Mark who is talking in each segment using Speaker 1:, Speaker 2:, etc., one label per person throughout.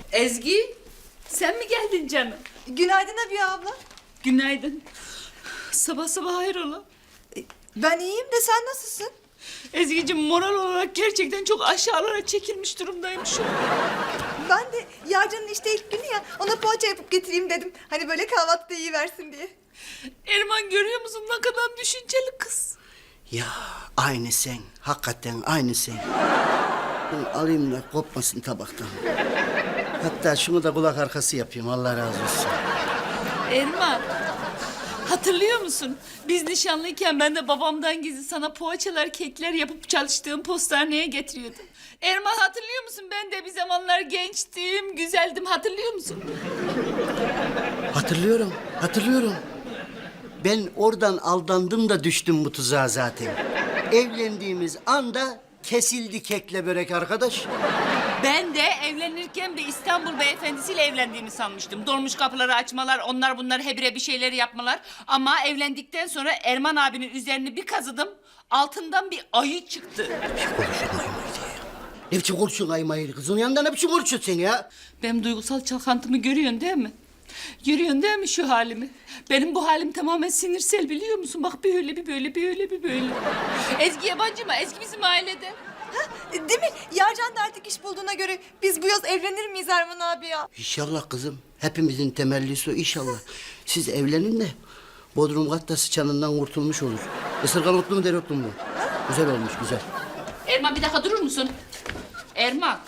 Speaker 1: Ezgi, sen mi geldin canım?
Speaker 2: Günaydın Abiye abla.
Speaker 1: Günaydın. Sabah sabah hayrola?
Speaker 2: Ben iyiyim de sen nasılsın?
Speaker 1: Ezgi'cim moral olarak gerçekten çok aşağılara çekilmiş durumdayım şu an.
Speaker 2: Ben de Yarcan'ın işte ilk günü ya, ona poğaça yapıp getireyim dedim. Hani böyle kahvaltıda yiyiversin diye.
Speaker 1: Erman görüyor musun ne kadar düşünceli kız.
Speaker 3: Ya aynı sen. Hakikaten aynı sen. Bunu alayım da kopmasın tabaktan. Hatta şunu da kulak arkası yapayım. Allah razı olsun.
Speaker 1: Erman, hatırlıyor musun? Biz nişanlıyken ben de babamdan gizli sana poğaçalar, kekler yapıp çalıştığım postaneye getiriyordum. Erman hatırlıyor musun? Ben de bir zamanlar gençtim, güzeldim. Hatırlıyor musun?
Speaker 3: Hatırlıyorum, hatırlıyorum. Ben oradan aldandım da düştüm bu tuzağa zaten. Evlendiğimiz anda kesildi kekle börek arkadaş.
Speaker 1: Ben de evlenirken bir İstanbul beyefendisiyle evlendiğimi sanmıştım. Dolmuş kapıları açmalar, onlar bunlar hebire bir şeyleri yapmalar. Ama evlendikten sonra Erman abinin üzerini bir kazıdım. Altından bir ayı çıktı.
Speaker 3: Konuşun aymayı ya. Ne biçim konuşuyorsun aymayı? Kızın yanında ne biçim konuşuyorsun sen ya?
Speaker 1: Benim duygusal çalkantımı görüyorsun değil mi? Görüyorsun değil mi şu halimi? Benim bu halim tamamen sinirsel biliyor musun? Bak bir öyle bir böyle, bir öyle bir böyle. Ezgi yabancı mı? Ezgi bizim ailede.
Speaker 2: Değil mi? Yarcan da artık iş bulduğuna göre biz bu yaz evlenir miyiz Erman abi ya?
Speaker 3: İnşallah kızım. Hepimizin temellisi o inşallah. Siz evlenin de Bodrum katta sıçanından kurtulmuş olur. Isırgan otlu mu dereotlu mu? Güzel olmuş güzel.
Speaker 1: Erman bir dakika durur musun? Erman.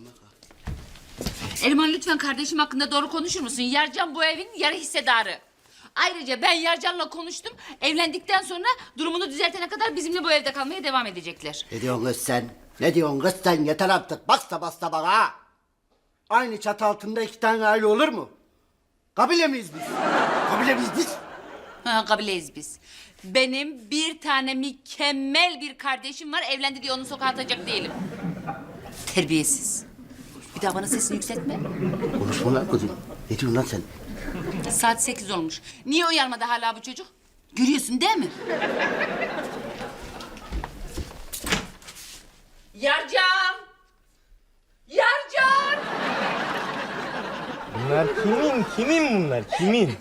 Speaker 1: Erman lütfen kardeşim hakkında doğru konuşur musun? Yarcan bu evin yarı hissedarı. Ayrıca ben Yarcan'la konuştum. Evlendikten sonra durumunu düzeltene kadar bizimle bu evde kalmaya devam edecekler.
Speaker 3: Ne diyorsun kız sen? Ne diyorsun kız sen? Yeter artık. Basta basta bana ha. Aynı çatı altında iki tane aile olur mu? Kabile miyiz biz? Kabile miyiz biz?
Speaker 1: Ha, kabileyiz biz. Benim bir tane mükemmel bir kardeşim var. Evlendi diye onu sokağa atacak değilim. Terbiyesiz. Bir daha bana sesini yükseltme.
Speaker 3: Konuşma lan kızım. Ne diyorsun lan sen?
Speaker 1: Saat 8 olmuş. Niye uyanmadı hala bu çocuk? Görüyorsun değil mi? Yarcan! Yarcan!
Speaker 4: Bunlar kimin bunlar? Kimin?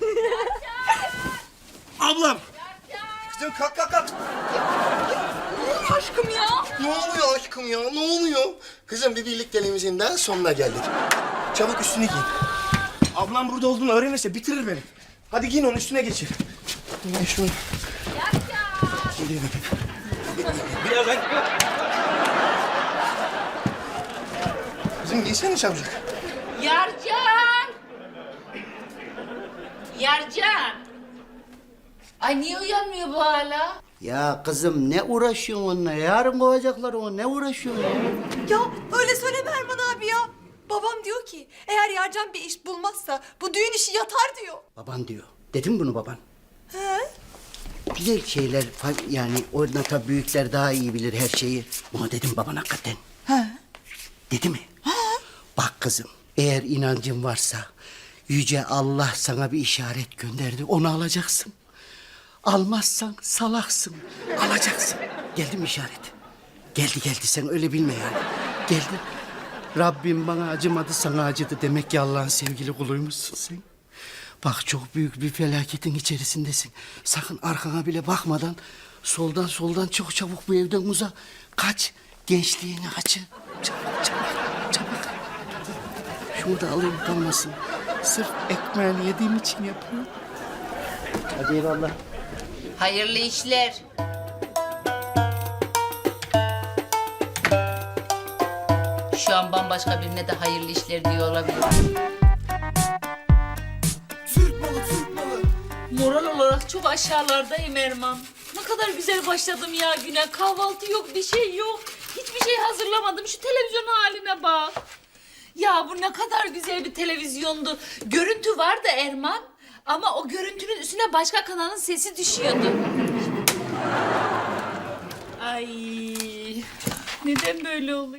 Speaker 5: Ablam! Kızım kalk kalk kalk.
Speaker 2: Aşkım ya.
Speaker 5: Ne oluyor aşkım ya? Ne oluyor? Kızım bir birlikteliğimizin daha sonuna geldik. Çabuk üstünü giyin. Ablam burada olduğunu öğrenirse bitirir beni. Hadi giyin onu üstüne geçir. Giyin şunu. Geliyorum. Birazdan. Kızım giysene çabucak.
Speaker 1: Yarcan! Yarcan! Ay niye uyanmıyor bu hala?
Speaker 3: Ya kızım ne uğraşıyorsun onunla? Yarın kovacaklar onu. Ne uğraşıyorsun ya?
Speaker 2: Ya öyle söyleme Erman abi ya. Babam diyor ki eğer Yarcan bir iş bulmazsa bu düğün işi yatar diyor.
Speaker 3: Baban diyor. Dedim bunu baban.
Speaker 2: He?
Speaker 3: Güzel şeyler yani orada tabii büyükler daha iyi bilir her şeyi. Bunu dedim baban hakikaten.
Speaker 2: He?
Speaker 3: Dedi mi? Bak kızım eğer inancın varsa Yüce Allah sana bir işaret gönderdi. Onu alacaksın. Almazsan salaksın. Alacaksın. Geldi mi işaret? Geldi sen öyle bilme yani. Geldi. Rabbim bana acımadı sana acıdı. Demek ki Allah'ın sevgili kuluymuşsun sen. Bak çok büyük bir felaketin içerisindesin. Sakın arkana bile bakmadan soldan çok çabuk bu evden uza. Kaç. Gençliğini açı. Çabuk. Şunu da alayım kalmasın. Sırf ekmeğini yediğim için yapıyorum. Hadi eyvallah.
Speaker 1: Hayırlı işler. Şu an bambaşka birine de hayırlı işler diyor olabilir.
Speaker 5: Türk malı, Türk malı.
Speaker 1: Moral olarak çok aşağılardayım Erman. Ne kadar güzel başladım ya güne. Kahvaltı yok, bir şey yok. Hiçbir şey hazırlamadım. Şu televizyon haline bak. Ya bu ne kadar güzel bir televizyondu. Görüntü vardı Erman. Ama o görüntünün üstüne başka kanalın sesi düşüyordu. Ay, neden böyle oluyor?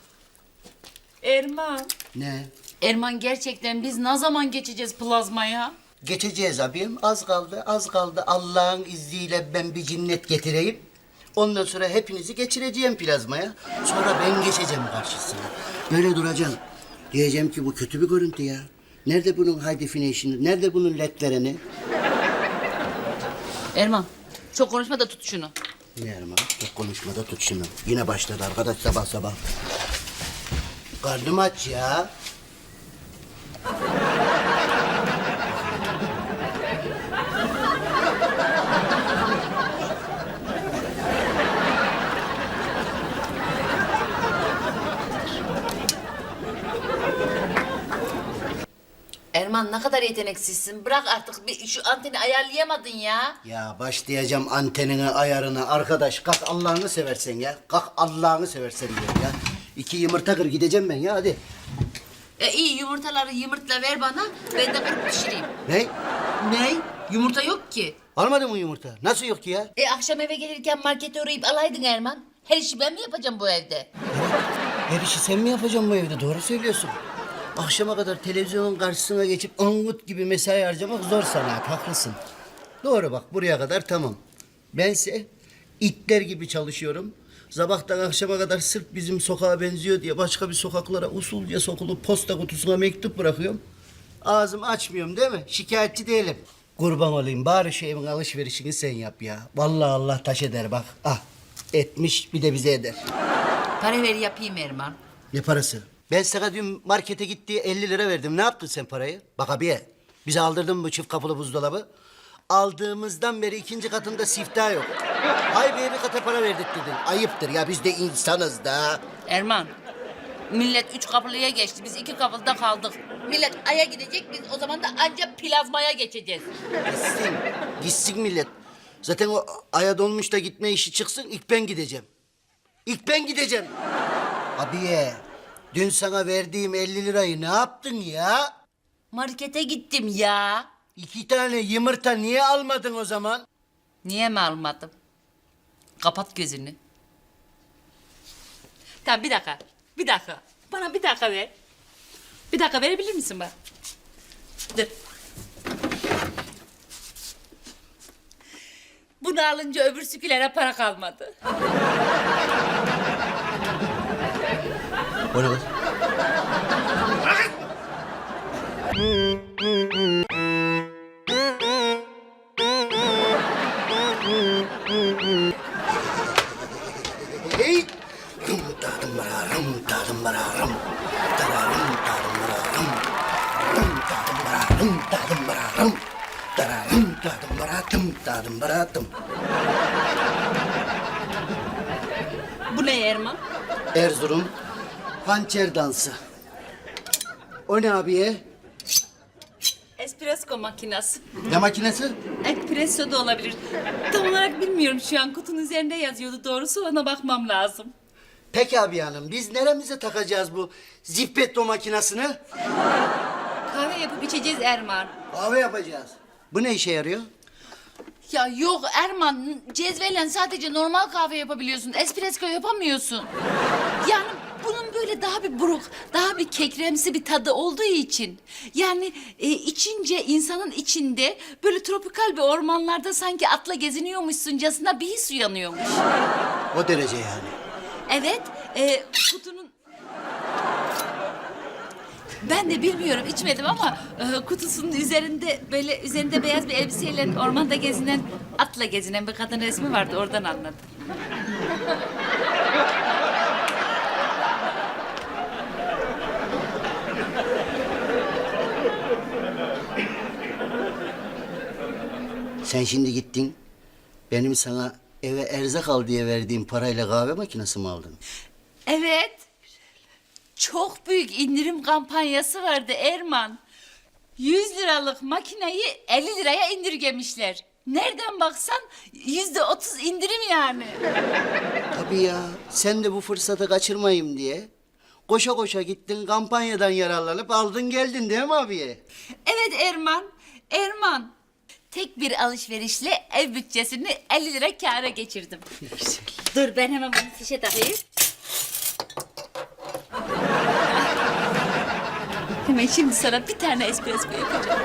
Speaker 1: Erman.
Speaker 3: Ne?
Speaker 1: Erman gerçekten biz ne zaman geçeceğiz plazmaya?
Speaker 3: Geçeceğiz abim. Az kaldı. Allah'ın izniyle ben bir cinnet getireyim. Ondan sonra hepinizi geçireceğim plazmaya. Sonra ben geçeceğim karşısına. Böyle duracaksın. Diyeceğim ki bu kötü bir görüntü ya. Nerede bunun high definition'ı? Nerede bunun ledlerini?
Speaker 1: Erman çok konuşma da tut şunu.
Speaker 3: Erman, çok konuşmada tut şunu. Yine başladı arkadaş sabah sabah. Karnım aç ya.
Speaker 1: Erman ne kadar yeteneksizsin. Bırak artık bir şu anteni ayarlayamadın ya.
Speaker 3: Ya başlayacağım antenine ayarına. Arkadaş kalk Allah'ını seversen ya. Kalk Allah'ını seversen diyorum ya. 2 yumurta kır gideceğim ben ya hadi.
Speaker 1: İyi yumurtaları yumurtla ver bana. Ben de kırıp pişireyim.
Speaker 3: Ne?
Speaker 1: Ne? Yumurta yok ki.
Speaker 3: Almadın mı yumurta? Nasıl yok ki ya?
Speaker 1: Akşam eve gelirken markete uğrayıp alaydın Erman. Her işi ben mi yapacağım bu evde?
Speaker 3: Her işi sen mi yapacaksın bu evde? Doğru söylüyorsun. Akşama kadar televizyonun karşısına geçip angut gibi mesai harcamak zor sanat. Haklısın. Doğru bak buraya kadar tamam. Bense itler gibi çalışıyorum. Sabahtan akşama kadar sırf bizim sokağa benziyor diye başka bir sokaklara usulca sokulup posta kutusuna mektup bırakıyorum. Ağzımı açmıyorum değil mi? Şikayetçi değilim. Kurban olayım bari şu evin alışverişini sen yap ya. Vallahi Allah taş eder bak. Ah etmiş bir de bize eder.
Speaker 1: Para ver yapayım Erman.
Speaker 3: Ne parası? Ben sana dün markete gittiği 50 lira verdim. Ne yaptın sen parayı? Bak abiye, bize aldırdın mı bu çift kapılı buzdolabı? Aldığımızdan beri 2. katında siftah yok. Hay be bir kata para verdik dedin. Ayıptır ya biz de insanız da.
Speaker 1: Erman, millet 3 kapılıya geçti. Biz 2 kapılıda kaldık. Millet Ay'a gidecek, biz o zaman da ancak plazmaya geçeceğiz.
Speaker 3: Gitsin, gitsin millet. Zaten o aya dolmuş da gitme işi çıksın ilk ben gideceğim. İlk ben gideceğim. Abiye, dün sana verdiğim 50 lirayı ne yaptın ya?
Speaker 1: Markete gittim ya.
Speaker 3: 2 tane yumurta niye almadın o zaman?
Speaker 1: Niye mi almadım? Kapat gözünü. Tamam bir dakika. Bir dakika. Bana bir dakika ver. Bir dakika verebilir misin bana? Dur. Bunu alınca öbür sükülere para kalmadı.
Speaker 3: O ne kız? Hey! Rum tadım bara rum tadım bara rum. Tara rum tadım bara rum. Rum tadım bara rum tadım bara rum. Tara rum tadım bara tum tadım bara tum.
Speaker 1: Bu ne Erman?
Speaker 3: Erzurum hançer dansı. O ne abiye?
Speaker 1: Espresso makinesi.
Speaker 3: Ne makinesi?
Speaker 1: Espresso da olabilir. Tam olarak bilmiyorum şu an kutunun üzerinde yazıyordu doğrusu ona bakmam lazım.
Speaker 3: Peki abi hanım biz neremize takacağız bu zippetto makinesini?
Speaker 1: Kahve yapıp içeceğiz Erman.
Speaker 3: Kahve yapacağız. Bu ne işe yarıyor?
Speaker 1: Ya yok Erman cezveyle sadece normal kahve yapabiliyorsun. Espresso yapamıyorsun. Yani bunun böyle daha bir buruk, daha bir kekremsi bir tadı olduğu için. Yani içince insanın içinde böyle tropikal bir ormanlarda sanki atla geziniyormuşsuncasına bir his uyanıyormuş.
Speaker 3: O derece yani.
Speaker 1: Evet, kutunun... Ben de bilmiyorum, içmedim ama kutusunun üzerinde böyle üzerinde beyaz bir elbiseyle ormanda gezinen, atla gezinen bir kadın resmi vardı. Oradan anladım.
Speaker 3: Sen şimdi gittin. Benim sana eve erzak al diye verdiğim parayla kahve makinesi mi aldın?
Speaker 1: Evet. Çok büyük indirim kampanyası vardı Erman. 100 liralık makineyi 50 liraya indirgemişler. Nereden baksan %30 indirim yani.
Speaker 3: Tabii ya. Sen de bu fırsatı kaçırmayayım diye koşa koşa gittin kampanyadan yararlanıp aldın geldin değil mi abiye?
Speaker 1: Evet Erman, Erman. Tek bir alışverişle ev bütçesini 50 lira kâra geçirdim. Dur ben hemen bunu fişe takayım. Hemen şimdi sana bir tane espresso yapacağım.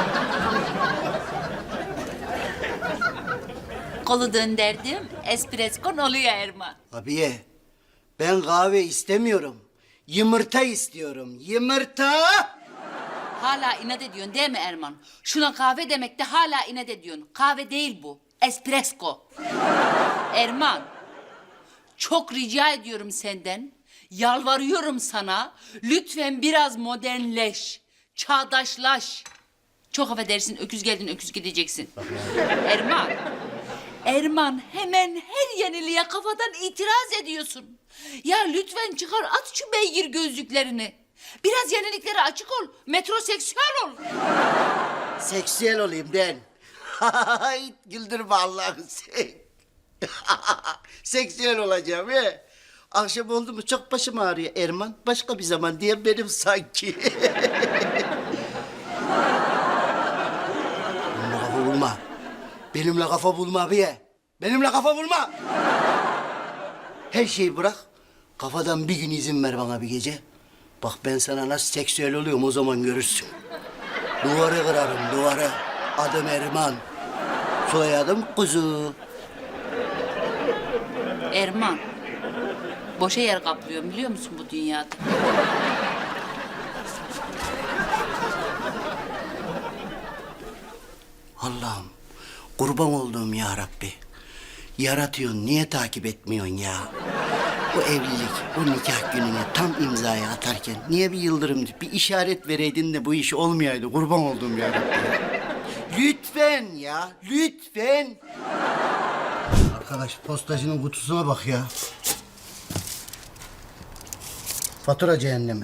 Speaker 1: Kolu döndürdüm, espresso oluyor Erman.
Speaker 3: Abiye ben kahve istemiyorum. Yumurta istiyorum. Yumurta.
Speaker 1: Hala inat ediyorsun değil mi Erman? Şuna kahve demek de hala inat ediyorsun. Kahve değil bu. Espresso. Erman. Çok rica ediyorum senden. Yalvarıyorum sana. Lütfen biraz modernleş. Çağdaşlaş. Çok affedersin, öküz geldin, öküz gideceksin. Erman. Erman, hemen her yeniliğe kafadan itiraz ediyorsun. Ya lütfen çıkar, at şu beygir gözlüklerini. Biraz yeniliklere açık ol. Metroseksüel ol.
Speaker 3: Seksüel olayım den. Hay, güldürme Allah'ını sen. Seksüel olacağım he. Akşam oldu mu çok başım ağrıyor Erman. Başka bir zaman diye benim sanki. Benimle kafa bulma. Benimle kafa bulma bir. Benimle kafa bulma. Her şeyi bırak. Kafadan bir gün izin ver bana bir gece. Bak ben sana nasıl seksüel oluyorum o zaman görürsün. Duvarı kırarım duvarı. Adım Erman. Soyadım Kuzu.
Speaker 1: Erman. Boşa yer kaplıyorum biliyor musun bu dünyada?
Speaker 3: Allah'ım kurban olduğum ya Rabbi. Yaratıyorsun niye takip etmiyorsun ya? Bu evlilik, bu nikah gününe tam imzayı atarken niye bir yıldırım, bir işaret vereydin de bu iş olmayaydı kurban olduğum ya Rabbi. Lütfen ya, lütfen. Arkadaş postacının kutusuna bak ya. Fatura cehennemi.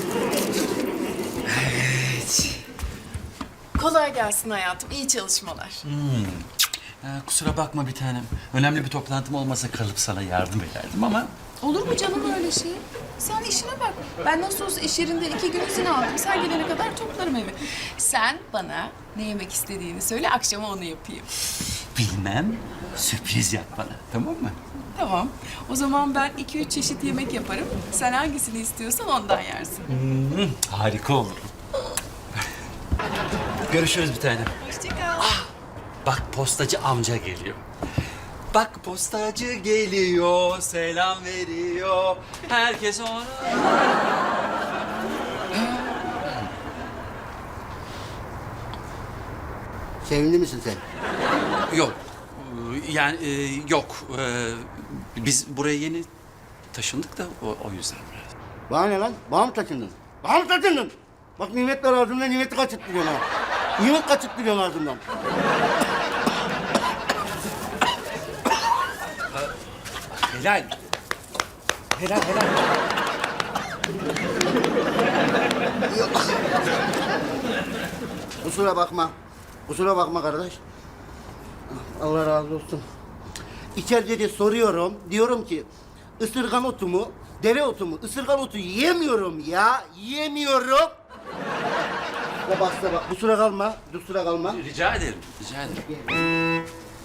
Speaker 6: Kolay gelsin hayatım. İyi çalışmalar.
Speaker 7: Kusura bakma bir tanem. Önemli bir toplantım olmasa kalıp sana yardım ederdim ama...
Speaker 6: Olur mu canım öyle şey? Sen işine bak. Ben nasıl olsa iş yerinde 2 gün izin aldım. Sen gelene kadar toplarım evi. Sen bana ne yemek istediğini söyle, akşama onu yapayım.
Speaker 7: Bilmem, sürpriz yap bana, tamam mı?
Speaker 6: Tamam. O zaman ben 2-3 çeşit yemek yaparım. Sen hangisini istiyorsan ondan yersin.
Speaker 7: Harika olur. Görüşürüz bir tanem.
Speaker 6: Hoşça kal.
Speaker 7: Bak postacı amca geliyor. Bak postacı geliyor, selam veriyor. Herkes ona...
Speaker 3: Sevindi misin sen?
Speaker 7: Yok, yani yok. Biz buraya yeni taşındık da o yüzden biraz.
Speaker 3: Bana ne lan? Bana mı taşındın? Bana mı taşındın? Bak nimetler ağzımdan nimeti kaçırttırıyorsun ha. Nimet kaçırttırıyorsun ağzımdan.
Speaker 7: Helal. Helal, helal.
Speaker 3: Kusura bakma. Kusura bakma kardeş. Allah razı olsun. İçeride de soruyorum. Diyorum ki ısırgan otu mu, dere otu mu? Isırgan otu yiyemiyorum ya. Yiyemiyorum. Ya basta bak. Kusura kalma. Kusura kalma.
Speaker 7: Rica ederim, rica ederim.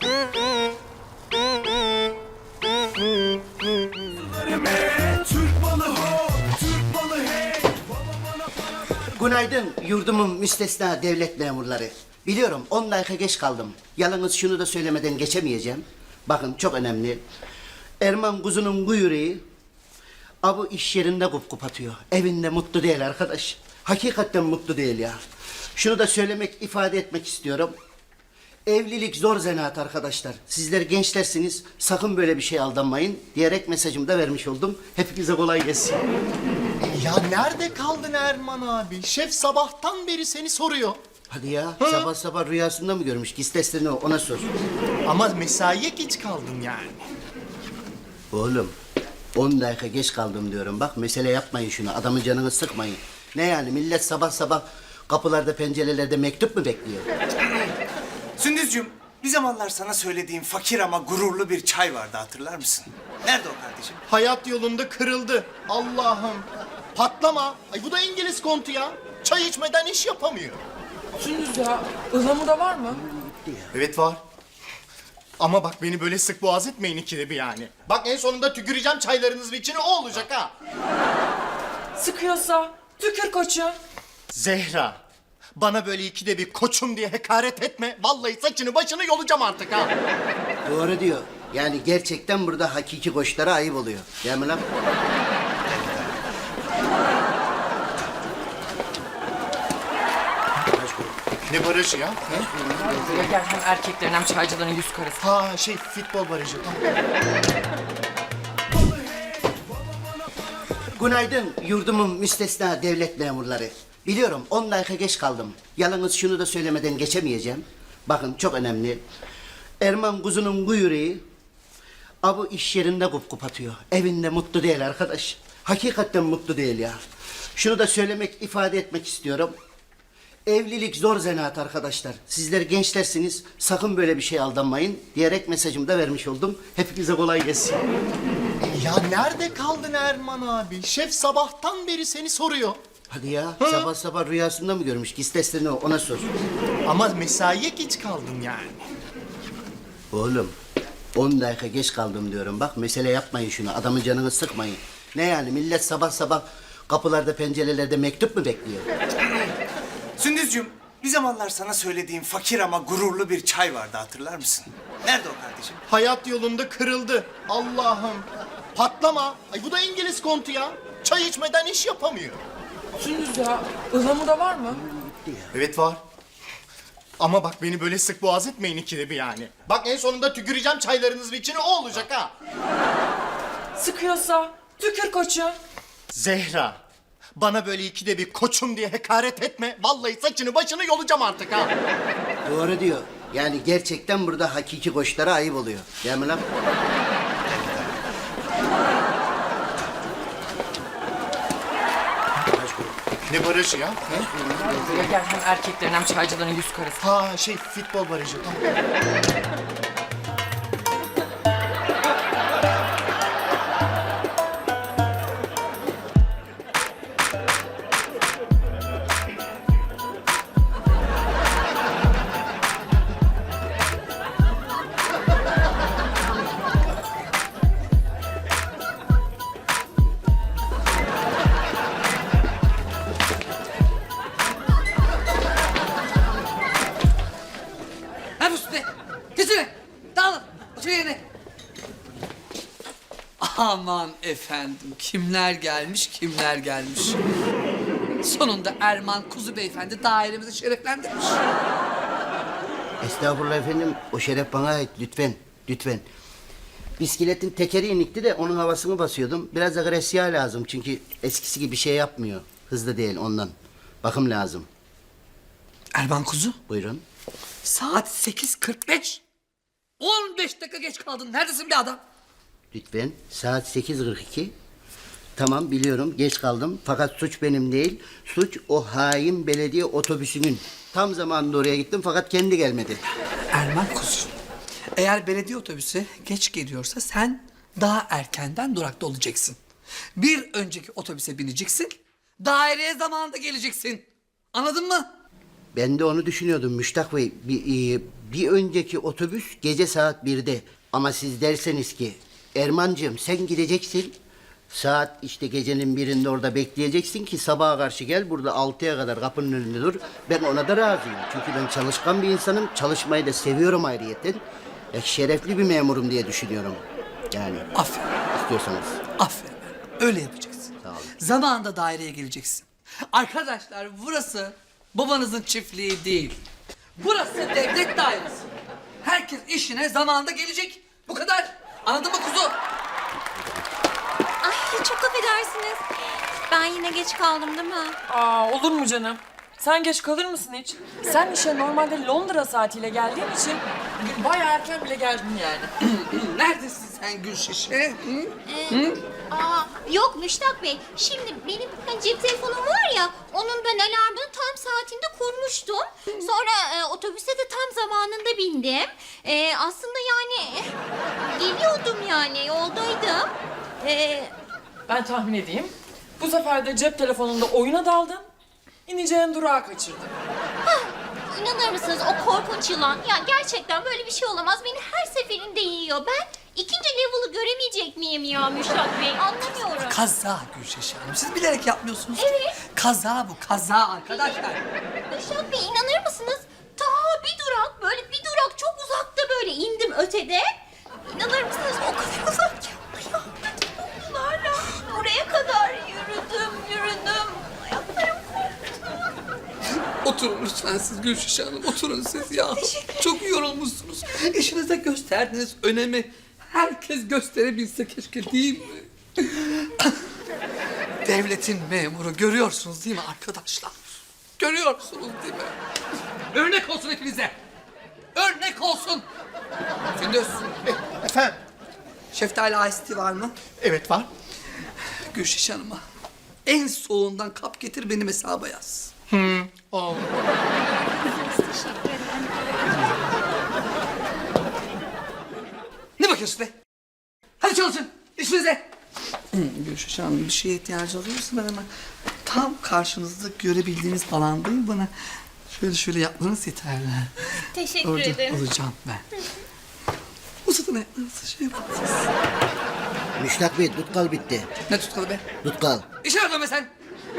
Speaker 3: Günaydın yurdumun müstesna devlet memurları. Biliyorum 10 dakika geç kaldım. Yalnız şunu da söylemeden geçemeyeceğim. Bakın çok önemli. Erman kuzunun bu yüreği abu iş yerinde kup atıyor. Evinde mutlu değil arkadaş. Hakikaten mutlu değil ya. Şunu da söylemek, ifade etmek istiyorum. Evlilik zor zanaat arkadaşlar. Sizler gençlersiniz. Sakın böyle bir şey aldanmayın diyerek mesajımı da vermiş oldum. Hepinize kolay gelsin.
Speaker 8: Ya nerede kaldın Erman abi? Şef sabahtan beri seni soruyor.
Speaker 3: Hadi ya sabah sabah rüyasında mı görmüş? Git testlerini ona sor.
Speaker 8: Ama mesaiye geç kaldın yani.
Speaker 3: Oğlum 10 dakika geç kaldım diyorum. Bak mesele yapmayın şunu. Adamın canını sıkmayın. Ne yani millet sabah sabah kapılarda pencerelerde mektup mu bekliyor?
Speaker 9: Sündüzcüğüm, bir zamanlar sana söylediğim fakir ama gururlu bir çay vardı hatırlar mısın? Nerede o kardeşim?
Speaker 8: Hayat yolunda kırıldı. Allah'ım. Patlama. Ay bu da İngiliz kontu ya. Çay içmeden iş yapamıyor.
Speaker 6: Sündüz ya, ıhlamur da var mı?
Speaker 8: Evet var. Ama bak beni böyle sık boğaz etmeyin ikide bir yani. Bak en sonunda tüküreceğim çaylarınızın içine o olacak ha.
Speaker 6: Sıkıyorsa tükür koçum.
Speaker 8: Zehra. Bana böyle ikide bir koçum diye hakaret etme. Vallahi saçını başını yolacağım artık ha.
Speaker 3: Doğru diyor. Yani gerçekten burada hakiki koçlara ayıp oluyor. Değil mi lan?
Speaker 8: Ne barajı ya?
Speaker 10: Gel hem erkeklerin hem çaycıların yüz karası.
Speaker 8: Ha şey futbol barajı.
Speaker 3: Günaydın yurdumun müstesna devlet memurları. Biliyorum 10 dakika geç kaldım. Yalnız şunu da söylemeden geçemeyeceğim. Bakın çok önemli. Erman kuzunun bu yüreği abu iş yerinde kup atıyor. Evinde mutlu değil arkadaş. Hakikaten mutlu değil ya. Şunu da söylemek, ifade etmek istiyorum. Evlilik zor zanaat arkadaşlar. Sizler gençlersiniz. Sakın böyle bir şey aldanmayın diyerek mesajımı da vermiş oldum. Hepinize kolay gelsin.
Speaker 8: Ya nerede kaldın Erman abi? Şef sabahtan beri seni soruyor.
Speaker 3: Hadi ya sabah sabah rüyasında mı görmüş? Git testlerini ona sor.
Speaker 8: Ama mesaiye geç kaldın yani.
Speaker 3: Oğlum 10 dakika geç kaldım diyorum. Bak mesele yapmayın şunu. Adamın canını sıkmayın. Ne yani millet sabah sabah kapılarda pencerelerde mektup mu bekliyor?
Speaker 9: Sündüzcüğüm, bir zamanlar sana söylediğim fakir ama gururlu bir çay vardı hatırlar mısın? Nerede o kardeşim?
Speaker 8: Hayat yolunda kırıldı. Allah'ım. Patlama. Ay bu da İngiliz kontu ya. Çay içmeden iş yapamıyor.
Speaker 10: Sündüz ya, ıhlamur da var mı?
Speaker 8: Evet var. Ama bak beni böyle sık boğaz etmeyin ikide bir yani. Bak en sonunda tüküreceğim çaylarınızın içine o olacak ha.
Speaker 10: Sıkıyorsa tükür koçum.
Speaker 8: Zehra. Bana böyle ikide bir koçum diye hakaret etme. Vallahi saçını başını yolacağım artık ha.
Speaker 3: Doğru diyor. Yani gerçekten burada hakiki koçlara ayıp oluyor. Değil mi lan?
Speaker 8: Ne barajı ya?
Speaker 10: Gel hem erkeklerin hem çaycıların yüz karası.
Speaker 8: Ha şey futbol barajı.
Speaker 11: Ha üstüne. Geçine. Dağılın. Otur yerine. Aman efendim. Kimler gelmiş, kimler gelmiş. Sonunda Erman Kuzu Beyefendi dairemizi şereflendirmiş.
Speaker 3: Estağfurullah efendim. O şeref bana ait. Lütfen. Lütfen. Bisikletin tekeri inikti de onun havasını basıyordum. Biraz agresiya lazım çünkü eskisi gibi bir şey yapmıyor. Hızlı değil ondan. Bakım lazım.
Speaker 11: Erman Kuzu.
Speaker 3: Buyurun.
Speaker 11: Saat 8:45. 15 dakika geç kaldın. Neredesin bir adam?
Speaker 3: Lütfen. Saat 8:42. Tamam biliyorum geç kaldım. Fakat suç benim değil. Suç o hain belediye otobüsünün. Tam zamanında oraya gittim fakat kendi gelmedi.
Speaker 11: Erman Kuzu. Eğer belediye otobüsü geç geliyorsa sen daha erkenden durakta olacaksın. Bir önceki otobüse bineceksin. Daireye zamanında geleceksin. Anladın mı?
Speaker 3: Ben de onu düşünüyordum Müştak Bey. Bir önceki otobüs gece saat 1'de. Ama siz derseniz ki Ermancığım sen gideceksin. Saat işte gecenin 1'inde orada bekleyeceksin ki sabaha karşı gel burada 6'ya kadar kapının önünde dur. Ben ona da razıyım. Çünkü ben çalışkan bir insanım. Çalışmayı da seviyorum ayrıyeten. Şerefli bir memurum diye düşünüyorum. Yani
Speaker 11: Aferin.
Speaker 3: istiyorsanız.
Speaker 11: Aferin. Öyle yapacaksın.
Speaker 3: Sağ olun.
Speaker 11: Zamanında daireye geleceksin. Arkadaşlar burası babanızın çiftliği değil. Burası devlet dairesi. Herkes işine zamanında gelecek. Bu kadar. Anladın mı kuzu?
Speaker 12: Ay çok affedersiniz. Ben yine geç kaldım değil mi?
Speaker 10: Aa, olur mu canım? Sen geç kalır mısın hiç? Sen işe normalde Londra saatiyle geldiğin için bugün bayağı erken bile geldin yani.
Speaker 11: Neredesin sen Gülşişe?
Speaker 12: Yok Müştak Bey. Şimdi benim cep telefonum var ya, onun ben alarmını tam saatinde kurmuştum. Sonra otobüse de tam zamanında bindim. Aslında yani geliyordum yani yoldaydım.
Speaker 10: Ben tahmin edeyim. Bu sefer de cep telefonunda oyuna daldın. İneceğin durağı kaçırdın.
Speaker 12: İnanır mısınız o korkunç yılan? Ya gerçekten böyle bir şey olamaz. Beni her seferinde yiyor. Ben ikinci level'ı göremeyecek miyim ya Müştak Bey? Anlamıyorum.
Speaker 11: Kaza Gülşişe Hanım. Siz bilerek yapmıyorsunuz.
Speaker 12: Evet.
Speaker 11: Kaza bu kaza arkadaşlar.
Speaker 12: Müştak Bey inanır mısınız? Ta bir durak böyle bir durak çok uzakta böyle indim ötede. İnanır mısınız o kadar uzak ki. Ayaklarla buraya kadar yürüdüm. Ayaklarım koptu.
Speaker 11: Oturun lütfen siz Gülşişe Hanım. Oturun siz ya. Çok yorulmuşsunuz. İşinize gösterdiğiniz önemi herkes gösterebilse keşke, değil mi? Devletin memuru, görüyorsunuz değil mi arkadaşlar? Görüyorsunuz değil mi? Örnek olsun hepinize. Örnek olsun. Sündüz.
Speaker 8: Efendim?
Speaker 11: Şeftali iced tea var mı?
Speaker 8: Evet var.
Speaker 11: Gülşişe Hanım'a en soğuğundan kap getir, benim hesaba yaz.
Speaker 8: Ol.
Speaker 11: Ne bakıyorsun be? Hadi çalışın, işinize. Gülşişe Hanım, bir şeye ihtiyacı oluyorsa ben hemen tam karşınızda görebildiğiniz alandayım. Bana şöyle yapmanız yeterli.
Speaker 12: Teşekkür
Speaker 11: Orada
Speaker 12: ederim.
Speaker 11: olacağım ben. Uzatın ayaklarınızı, şey yapın siz.
Speaker 3: Müştak Bey, tutkal bitti.
Speaker 11: Ne tutkalı be?
Speaker 3: Tutkal.
Speaker 11: İşe yardım be sen.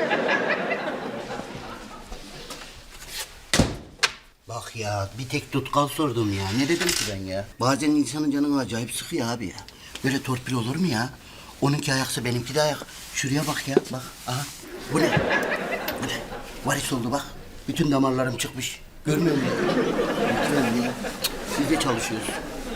Speaker 3: Bak ya, bir tek tutkal sordum ya. Ne dedim ki ben ya? Bazen insanın canını acayip sıkıyor abi ya. Böyle torpil olur mu ya? Onunki ayaksa benimki de ayak. Şuraya bak ya, bak. Aha. Bu ne? Bu ne? Varis oldu bak. Bütün damarlarım çıkmış. Görmüyor musun? Lütfen ya. Biz de çalışıyoruz.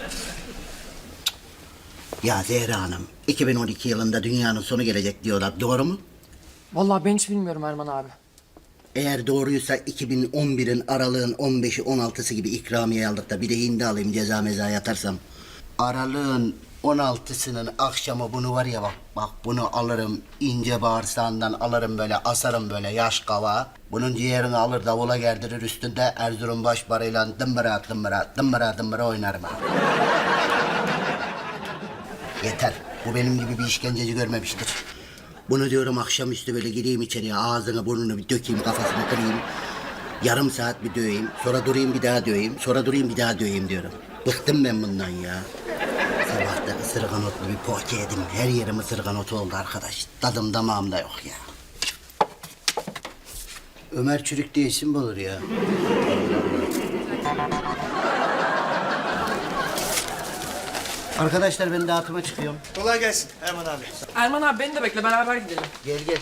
Speaker 3: Ya Zehra Hanım, 2012 yılında dünyanın sonu gelecek diyorlar. Doğru mu?
Speaker 10: Vallahi ben hiç bilmiyorum Erman abi.
Speaker 3: Eğer doğruysa 2011'in aralığın 15'i 16'sı gibi ikramiye aldık da bir de hindi alayım ceza meza yatarsam. Aralığın 16'sının akşamı bunu var ya bak bunu alırım ince bağırsağından alırım böyle asarım böyle yaş kava. Bunun ciğerini alır davula gerdirir üstünde Erzurum başbarıyla dımbıra dımbıra dımbıra dımbıra oynarım ha. Yeter. Bu benim gibi bir işkenceci görmemiştir. Bunu diyorum akşamüstü böyle gireyim içeriye ağzını burnunu bir dökeyim kafasını kırayım. Yarım saat bir döveyim. Sonra durayım bir daha döveyim. Sonra durayım bir daha döveyim diyorum. Bıktım ben bundan ya. Sabah da ısırgan otlu bir poğaça yedim. Her yerim ısırgan otu oldu arkadaş. Tadım damağımda yok ya. Ömer Çürük diye isim mi olur ya? Arkadaşlar ben dağıtıma çıkıyorum.
Speaker 9: Kolay gelsin Erman abi.
Speaker 10: Erman abi beni de bekle, beraber gidelim.
Speaker 3: Gel gel.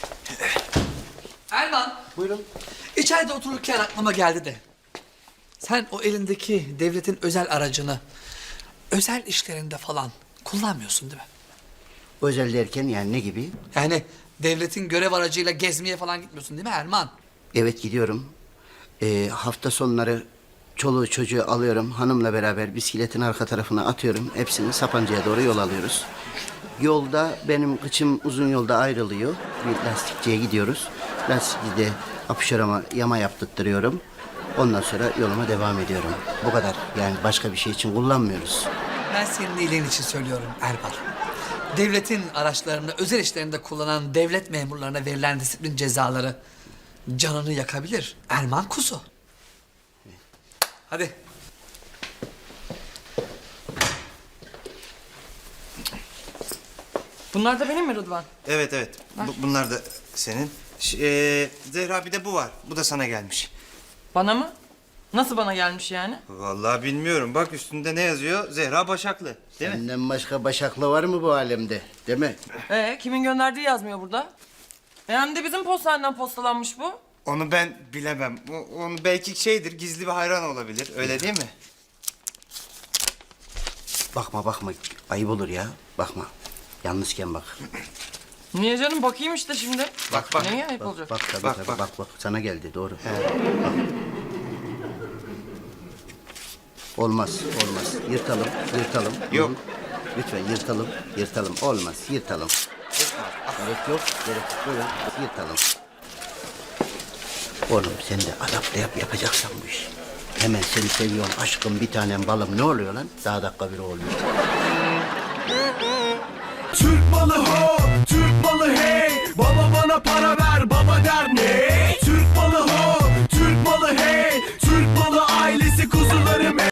Speaker 11: Erman,
Speaker 3: Buyurun.
Speaker 11: içeride otururken aklıma geldi de. Sen o elindeki devletin özel aracını özel işlerinde falan kullanmıyorsun değil mi?
Speaker 3: Özel derken yani ne gibi?
Speaker 11: Yani devletin görev aracıyla gezmeye falan gitmiyorsun değil mi Erman?
Speaker 3: Evet gidiyorum. Hafta sonları çoluğu çocuğu alıyorum. Hanımla beraber bisikletin arka tarafına atıyorum. Hepsini Sapanca'ya doğru yol alıyoruz. Yolda benim kıçım uzun yolda ayrılıyor. Bir lastikçiye gidiyoruz. Lastikçide apışarama yama yaptırtıyorum. Ondan sonra yoluma devam ediyorum. Bu kadar. Yani başka bir şey için kullanmıyoruz.
Speaker 11: Ben senin iyiliğin için söylüyorum Erman. Devletin araçlarını özel işlerinde kullanan devlet memurlarına verilen disiplin cezaları canını yakabilir. Erman Kuzu. Hadi.
Speaker 10: Bunlar da benim mi Rıdvan?
Speaker 9: Evet. Bunlar da senin. Zehra bir de bu var. Bu da sana gelmiş.
Speaker 10: Bana mı? Nasıl bana gelmiş yani?
Speaker 9: Vallahi bilmiyorum. Bak üstünde ne yazıyor? Zehra Başaklı. Değil mi?
Speaker 3: Senden başka başaklı var mı bu alemde? Değil mi?
Speaker 10: Kimin gönderdiği yazmıyor burada. Hem de bizim postaneden postalanmış bu.
Speaker 9: Onu ben bilemem. Onu belki şeydir, gizli bir hayran olabilir. Öyle değil mi?
Speaker 3: Bakma. Ayıp olur ya. Bakma. Yalnızken bak.
Speaker 10: Niye canım, bakayım işte şimdi.
Speaker 9: Bak.
Speaker 10: Neye ayıp olacak?
Speaker 3: Bak tabii
Speaker 9: Bak,
Speaker 3: tabii.
Speaker 9: bak.
Speaker 3: Bak. Sana geldi doğru. Bak. Olmaz. Yırtalım.
Speaker 9: Yok.
Speaker 3: Lütfen yırtalım. Olmaz. Yırtalım. Gerek yok. Buyurun. Yırtalım. Oğlum sen de adapte yapacaksan bu işi. Hemen seni seviyorum aşkım bir tanem balım ne oluyor lan? Daha dakika biri oluyor.
Speaker 13: Türk malı ho